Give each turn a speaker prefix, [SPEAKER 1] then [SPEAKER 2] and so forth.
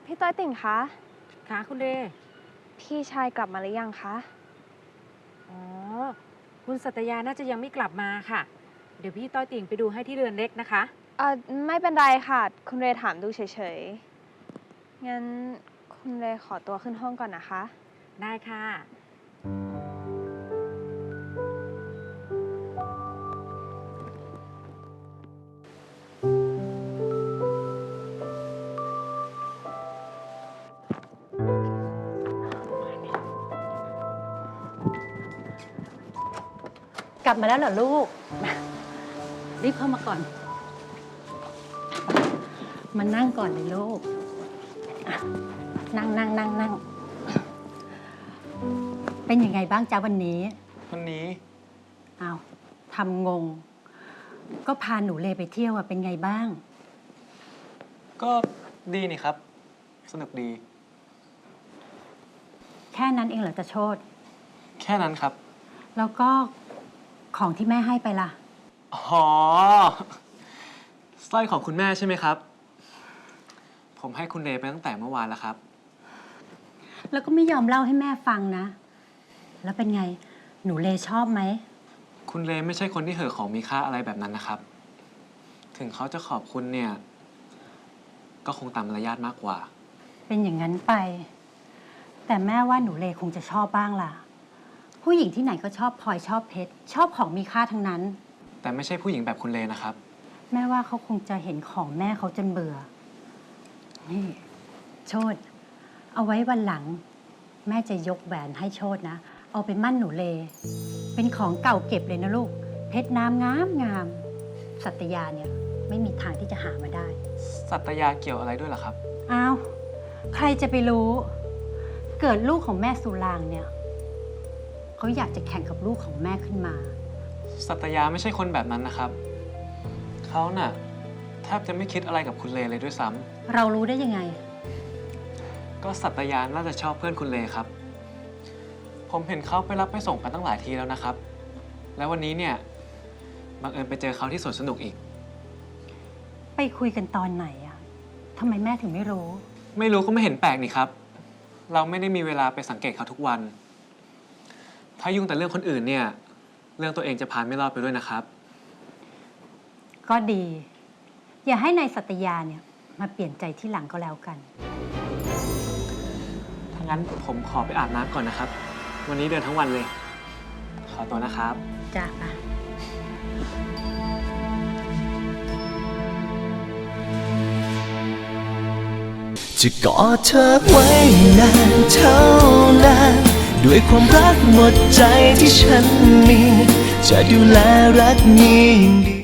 [SPEAKER 1] พี่ต้อยติ่งคะ
[SPEAKER 2] ค่ะคุณเด
[SPEAKER 1] พี่ชายกลับมาหรือยังคะ
[SPEAKER 2] อ๋อคุณสัตยาน่าจะยังไม่กลับมาค่ะเดี๋ยวพี่ต้อยติ่งไปดูให้ที่เรือนเล็กนะคะ
[SPEAKER 1] ไม่เป็นไรค่ะคุณเรถามดูเฉยๆงั้นคุณเรขอตัวขึ้นห้องก่อนนะคะ
[SPEAKER 2] ได้ค่ะ
[SPEAKER 3] กลับมาแล้วเหรอลูกรีบเข้ามาก่อนมานั่งก่อนเลยลูกนั่งเป็นยังไงบ้างจ๊ะวันนี้อ้าวทำงงก็พาหนูเลไปเที่ยวอะเป็นไงบ้าง
[SPEAKER 4] ก็ดีนี่ครับสนุกดี
[SPEAKER 3] แค่นั้นเองเหรอจะโชติ
[SPEAKER 4] แค่นั้นครับ
[SPEAKER 3] แล้วก็ของที่แม่ให้ไปล่ะ
[SPEAKER 4] อ๋อสร้อยของคุณแม่ใช่ไหมครับผมให้คุณเลไปตั้งแต่เมื่อวานแล้วครับ
[SPEAKER 3] แล้วก็ไม่ยอมเล่าให้แม่ฟังนะแล้วเป็นไงหนูเลชอบไหม
[SPEAKER 4] คุณเลไม่ใช่คนที่เห่อของมีค่าอะไรแบบนั้นนะครับถึงเขาจะขอบคุณเนี่ยก็คงตามมารยาทมากกว่า
[SPEAKER 3] เป็นอย่างนั้นไปแต่แม่ว่าหนูเลคงจะชอบบ้างล่ะผู้หญิงที่ไหนก็ชอบพลอยชอบเพชรชอบของมีค่าทั้งนั้น
[SPEAKER 4] แต่ไม่ใช่ผู้หญิงแบบคุณเลนะครับ
[SPEAKER 3] แม่ว่าเขาคงจะเห็นของแม่เขาจนเบื่อนี่โชติเอาไว้วันหลังแม่จะยกแหวนให้โชตินะเอาไปมั่นหนูเลเป็นของเก่าเก็บเลยนะลูกเพชรน้ำงามสัตยาเนี่ยไม่มีทางที่จะหามาได้
[SPEAKER 4] สัตยาเกี่ยวอะไรด้วยล่ะครับ
[SPEAKER 3] อ้าวใครจะไปรู้เกิดลูกของแม่สุรางเนี่ยเขาอยากจะแข่งกับลูกของแม่ขึ้นมา
[SPEAKER 4] สัตยาไม่ใช่คนแบบนั้นนะครับเขาน่ะแทบจะไม่คิดอะไรกับคุณเลเลยด้วยซ้ำ
[SPEAKER 3] เรารู้ได้ยังไง
[SPEAKER 4] ก็สัตยาน่าจะชอบเพื่อนคุณเลครับผมเห็นเขาไปรับไปส่งกันตั้งหลายทีแล้วนะครับแล้ววันนี้เนี่ยบังเอิญไปเจอเขาที่สวนสนุกอีก
[SPEAKER 3] ไปคุยกันตอนไหนอะทำไมแม่ถึงไม่รู้
[SPEAKER 4] ไม่รู้ก็ไม่เห็นแปลกนี่ครับเราไม่ได้มีเวลาไปสังเกตเขาทุกวันถ้ายุ่งแต่เรื่องคนอื่นเนี่ยเรื่องตัวเองจะพานไม่รอดไปด้วยนะครับ
[SPEAKER 3] ก็ดีอย่าให้นายสัตยาเนี่ยมาเปลี่ยนใจที่หลังก็แล้วกัน
[SPEAKER 4] ถ้างั้นผมขอไปอาบน้ำก่อนนะครับวันนี้เดินทั้งวันเลยขอตัวนะครับ
[SPEAKER 3] จ้า
[SPEAKER 5] จะกอดเธอไว้นานเท่านานด้วยความรักหมดใจที่ฉันมีจะดูแลรักนี้